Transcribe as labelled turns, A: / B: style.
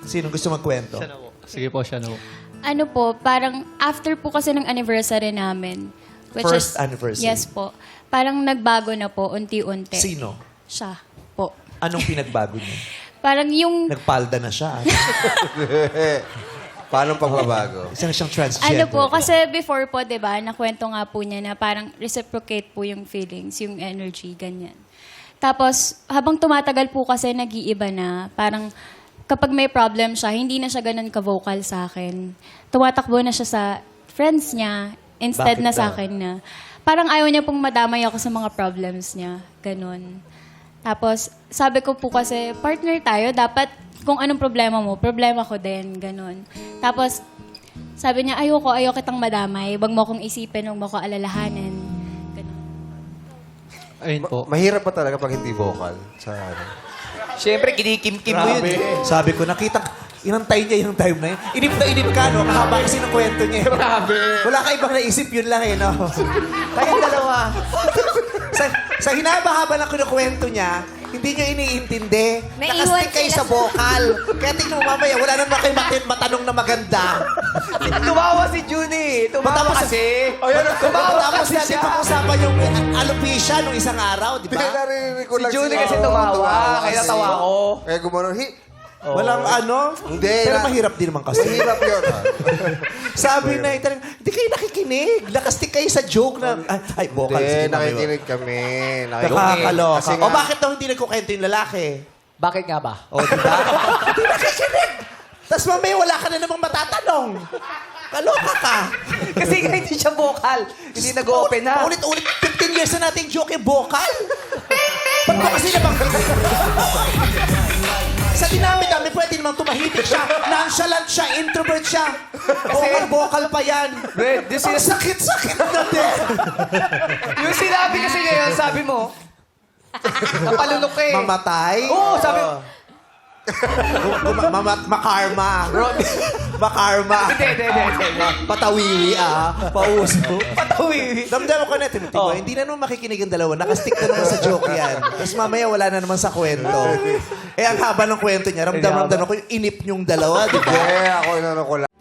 A: Sino gusto magkwento?
B: Siya na po. Sige po, siya na po.
C: Ano po, parang after po kasi ng anniversary namin.
A: First anniversary?
C: Yes po. Parang nagbago na po, unti-unti.
A: Sino?
C: Siya po.
A: Anong pinagbago niya?
C: Parang yung,
A: Nagpalda na siya.
D: Paano pagbabago?
A: Isa na siyang transgender.
C: ano po, kasi before po, di ba, nakwento nga po niya na parang reciprocate po yung feelings, yung energy, ganyan. Tapos, habang tumatagal po kasi, nag-iiba na. Parang, kapag may problem siya, hindi na siya ganun ka-vocal sa akin. Tumatakbo na siya sa friends niya, instead
A: Bakit
C: na sa
A: daw?
C: akin na. Parang ayaw niya pong madamay ako sa mga problems niya. Ganun. Tapos, sabi ko po kasi, partner tayo, dapat kung anong problema mo, problema ko din. Ganun. Tapos, sabi niya, ayoko kitang madamay. Huwag mo akong isipin, huwag mo ako alalahanin. Ganun.
B: Ayun po.
D: Mahirap pa talaga pag hindi vocal sa ano.
E: Siyempre, kinikim-kim mo yun.
A: Sabi ko, nakita, inantay niya yung time na yun. Inip na inip ka, no? Kahaba kasi ng kwento niya. Grabe. Wala ka ibang naisip, yun lang eh, no? Kayong dalawa. sa hinaba-haba ng kinukwento niya, hindi niya iniintindi.
F: Naiwan
A: Nakastik kayo
F: sila
A: sa vocal. Kaya tingnan mo mamaya, wala naman kayo matanong na maganda.
E: Tumawa si Junie. Tumawa kasi.
A: Tapos natin pag-usapan yung alopecia nung isang araw, di
D: Hindi,
A: ba?
D: narinig ko
E: Si
D: lang
E: Junie
D: siya.
E: kasi tumawa. Kaya
D: kasi.
E: natawa ako.
D: Kaya gumanon,
A: Walang ano.
D: Hindi,
A: Pero
D: na-
A: mahirap din naman kasi.
D: Mahirap yun.
A: Sabi na, hindi kayo nakikinig. Nakastik kayo sa joke na, ay, vocal.
D: Hindi,
A: sige, mamaya.
D: nakikinig kami.
A: Nakakaloka.
D: Kasi
A: O bakit daw hindi nagkukwento yung lalaki?
E: Bakit nga ba?
A: O, di ba? Hindi nakikinig. Tapos mamaya wala ka na namang matatanong. Kaloka ka.
E: Kasi nga hindi siya vocal. Hindi nag-open na.
A: Ulit-ulit, 15 years na nating joke yung vocal. Ba't mo kasi namang... Sa dinami-dami, pwede namang tumahimik siya. Nonchalant siya, introvert siya. Vocal pa yan.
E: Brad,
A: Ang sakit-sakit na din.
E: Yung sinabi kasi ngayon, sabi mo, napalunok ka eh.
A: Mamatay?
E: Oo, sabi mo.
A: Makarma. Makarma.
E: Hindi.
A: Patawiwi Pauso.
E: Patawiwi.
A: Damdam ko na, Timothy. Hindi na naman makikinig ang dalawa. Nakastick na naman sa joke yan. Tapos mamaya wala na naman sa kwento. Ang haba ng kwento niya. Ramdam ko yung inip niyong dalawa, di ba?
D: Hindi, ako inano ko lang.